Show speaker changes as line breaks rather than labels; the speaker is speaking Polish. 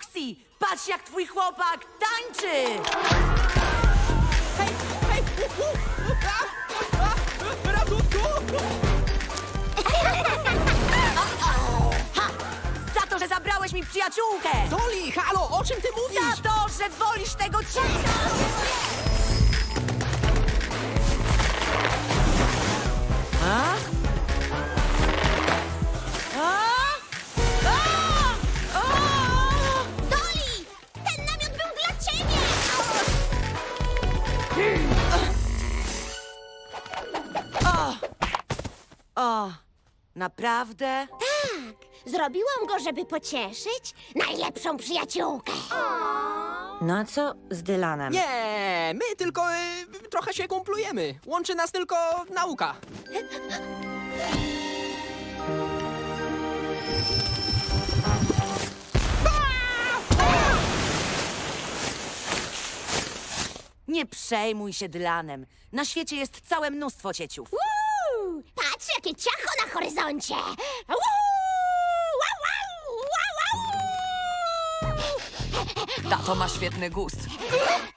Roxy, patrz jak twój chłopak tańczy!
Hej, hej! Ratunku!
Za to, że zabrałeś mi przyjaciółkę!
Dolly, halo, o czym ty mówisz?
Za to, że wolisz tego cienia! A? A? A? A?
Dolly! Ten namiot był dla ciebie!
O, naprawdę?
Tak, zrobiłam go, żeby pocieszyć najlepszą przyjaciółkę.
No a co z Dylanem?
Nie, my tylko trochę się kumplujemy. Łączy nas tylko nauka.
Nie przejmuj się Dylanem. Na świecie jest całe mnóstwo cieciów.
Uuu, patrz, jakie ciacho na horyzoncie! Uuu, wow, wow, wow, wow.
Tato ma świetny gust.